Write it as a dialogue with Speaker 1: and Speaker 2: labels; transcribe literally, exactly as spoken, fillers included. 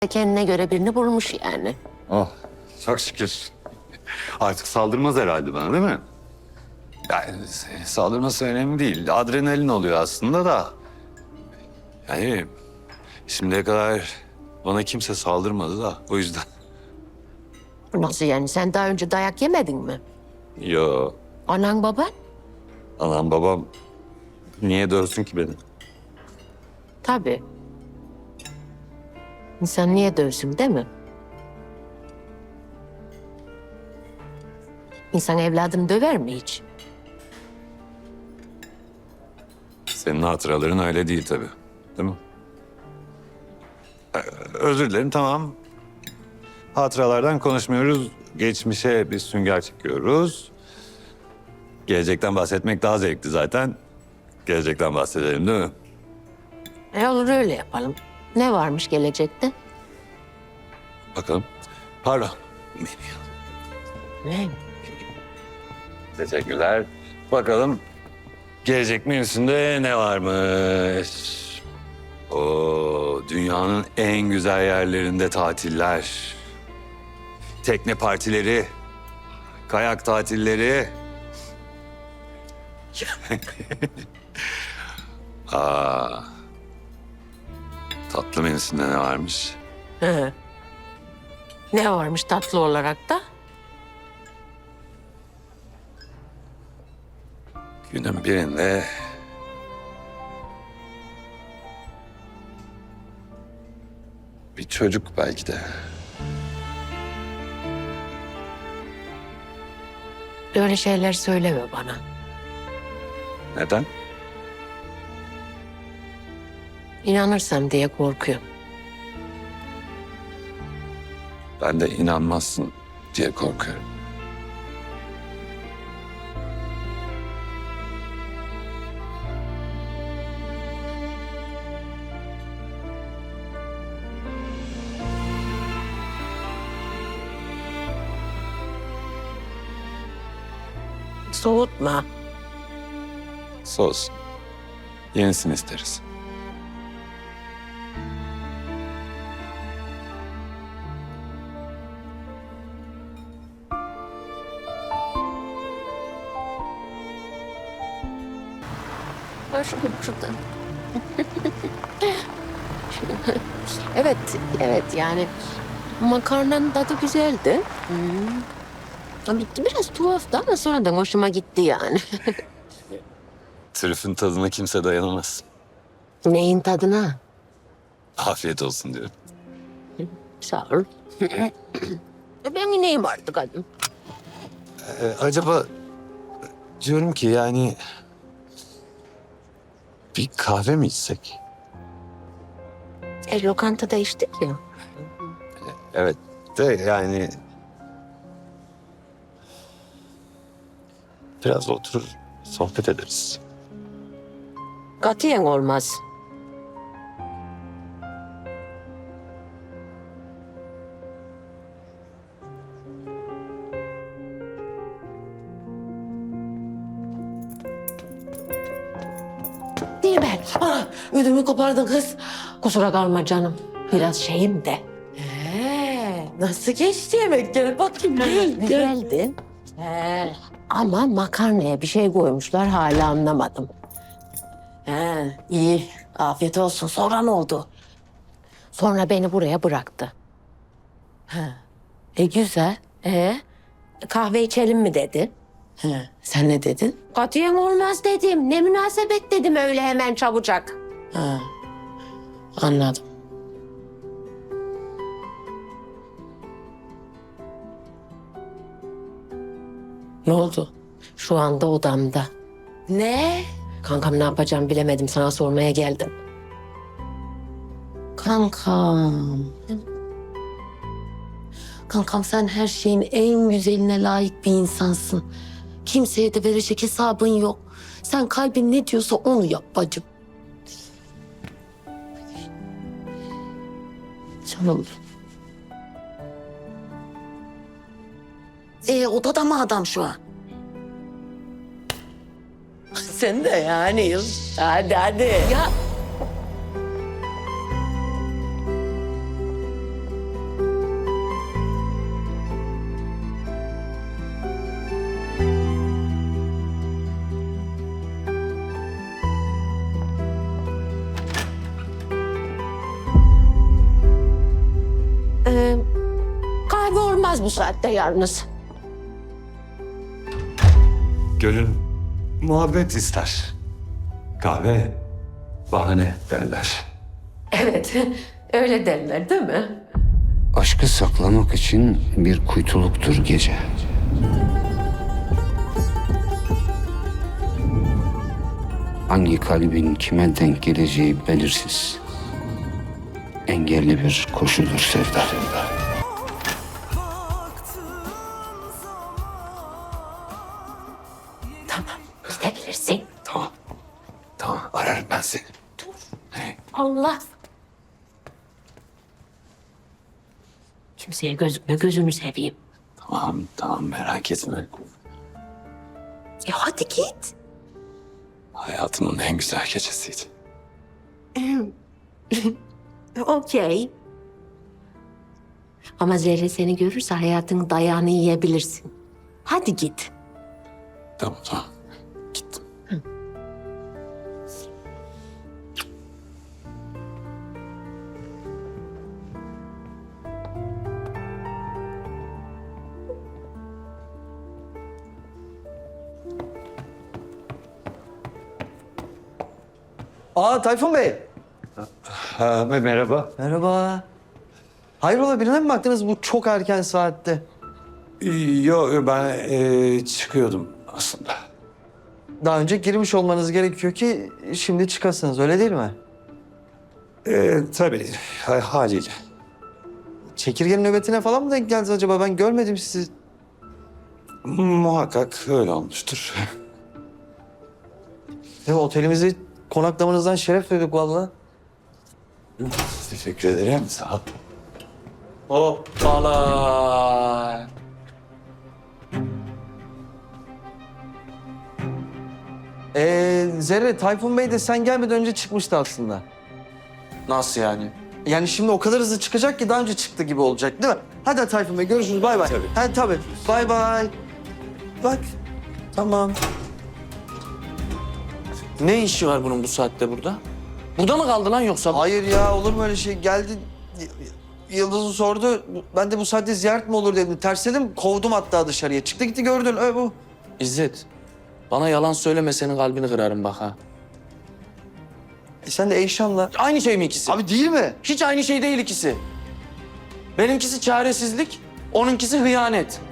Speaker 1: Kendine göre birini bulmuş yani.
Speaker 2: Oh, çok şükür. Artık saldırmaz herhalde bana, değil mi? Yani saldırması önemli değil. Adrenalin oluyor aslında da. Yani şimdiye kadar bana kimse saldırmadı da o yüzden.
Speaker 1: Nasıl yani? Sen daha önce dayak yemedin mi?
Speaker 2: Yo,
Speaker 1: Anan baban?
Speaker 2: anam babam niye dövsün ki beni?
Speaker 1: Tabii. İnsan niye dövsün değil mi? İnsan evladını döver mi hiç?
Speaker 2: Senin hatıraların öyle değil tabii. Değil mi? Ee, Özür dilerim, tamam. Hatıralardan konuşmuyoruz. Geçmişe bir sünger çekiyoruz. Gelecekten bahsetmek daha zevkli zaten. Gelecekten bahsedelim, değil mi?
Speaker 1: E olur, öyle yapalım. Ne varmış gelecekte?
Speaker 2: Bakalım. Pardon.
Speaker 1: Ne?
Speaker 2: Teşekkürler. Bakalım gelecek menüsünde ne varmış? O dünyanın en güzel yerlerinde tatiller. Tekne partileri. Kayak tatilleri. Aa, tatlı menüsünde ne varmış?
Speaker 1: Hı. Ne varmış tatlı olarak da?
Speaker 2: Günün birinde bir çocuk belki de.
Speaker 1: Böyle şeyler söyleme bana.
Speaker 2: Neden?
Speaker 1: İnanırsam diye korkuyorum.
Speaker 2: Ben de inanmazsın diye korkuyorum.
Speaker 1: Soğutma.
Speaker 2: Sos. Yenisini isteriz.
Speaker 1: Ver şunu şuradan. Evet, evet yani makarnanın tadı güzeldi. Hmm. Ama biraz tuhaftı ama sonradan hoşuma gitti yani.
Speaker 2: Trüfün tadına kimse dayanamaz.
Speaker 1: Neyin tadına?
Speaker 2: Afiyet olsun diyorum.
Speaker 1: Sağ ol. E ben ineyim artık hadi.
Speaker 2: Ee, acaba diyorum ki yani bir kahve mi içsek?
Speaker 1: E lokantada içtik ya.
Speaker 2: Evet de yani biraz oturur sohbet ederiz.
Speaker 1: Katiyen olmaz. Değil ben. Ah, ödümü kopardın kız. Kusura kalma canım. Biraz şeyim de.
Speaker 3: Ee, nasıl geçti yemek? Gel bakayım. Gel, gel.
Speaker 1: Güzeldi. He. Ama makarnaya bir şey koymuşlar, hala anlamadım.
Speaker 3: He, iyi. Afiyet olsun. Sonra ne oldu?
Speaker 1: Sonra beni buraya bıraktı.
Speaker 3: E güzel.
Speaker 1: E kahve içelim mi dedi.
Speaker 3: He, sen ne dedin?
Speaker 1: Katiyen olmaz dedim. Ne münasebet dedim öyle hemen çabucak.
Speaker 3: Ha, anladım. Ne oldu?
Speaker 1: Şu anda odamda.
Speaker 3: Ne?
Speaker 1: Kankam ne yapacağım bilemedim, sana sormaya geldim.
Speaker 3: Kankam. Kankam, sen her şeyin en güzeline layık bir insansın. Kimseye de verecek hesabın yok. Sen kalbin ne diyorsa onu yap bacım. Canım. Ee, odada mı adam şu an? Sen de yani. Hadi hadi.
Speaker 1: Ya olmaz bu saatte yalnız.
Speaker 2: Gönül muhabbet ister. Kahve bahane derler.
Speaker 1: Evet, öyle derler değil mi?
Speaker 4: Aşkı saklamak için bir kuytuluktur gece. Hangi kalbin kime denk geleceği belirsiz. Engelli bir koşudur sevda.
Speaker 1: Tamam, gidebilirsin.
Speaker 2: Tamam. Tamam ararım ben seni.
Speaker 1: Allah. Kimseye gözükme, gözünü seveyim.
Speaker 2: Tamam tamam merak etme.
Speaker 1: E hadi git.
Speaker 2: Hayatımın en güzel gecesiydi.
Speaker 1: Okey. Ama Zerre seni görürse hayatın dayağını yiyebilirsin. Hadi git.
Speaker 2: Tamam tamam. Gittim.
Speaker 5: Aa Tayfun Bey.
Speaker 2: Ha, merhaba.
Speaker 5: Merhaba. Hayrola birine mi baktınız bu çok erken saatte?
Speaker 2: Yok ben e, çıkıyordum aslında.
Speaker 5: Daha önce girmiş olmanız gerekiyor ki şimdi çıkasınız öyle değil mi?
Speaker 2: E, tabii ha- haliyle.
Speaker 5: Çekirgenin nöbetine falan mı denk geldiniz acaba? Ben görmedim sizi.
Speaker 2: Muhakkak öyle olmuştur.
Speaker 5: Ya, otelimizi konaklamanızdan şeref duyduk vallahi.
Speaker 2: Teşekkür ederim. Sağ ol.
Speaker 6: Hoppala.
Speaker 5: Ee, Zerre, Tayfun Bey de sen gelmeden önce çıkmıştı aslında.
Speaker 6: Nasıl yani?
Speaker 5: Yani şimdi o kadar hızlı çıkacak ki daha önce çıktı gibi olacak değil mi? Hadi Tayfun Bey görüşürüz bay bay.
Speaker 2: Tabii.
Speaker 5: Hadi tabii. Bay bay. Bak. Tamam.
Speaker 6: Ne işi var bunun bu saatte burada? Burada mı kaldı lan yoksa?
Speaker 5: Hayır ya olur mu öyle şey? Geldi Y- Yıldız'ı sordu. Ben de bu saatte ziyaret mi olur dedim. Tersledim kovdum hatta dışarıya. Çıktı gitti gördün öyle bu.
Speaker 6: İzzet, bana yalan söyleme senin kalbini kırarım bak ha.
Speaker 5: E sen de Eyşan'la.
Speaker 6: Aynı şey mi ikisi?
Speaker 5: Abi değil mi?
Speaker 6: Hiç aynı şey değil ikisi. Benimkisi çaresizlik, onunkisi hıyanet.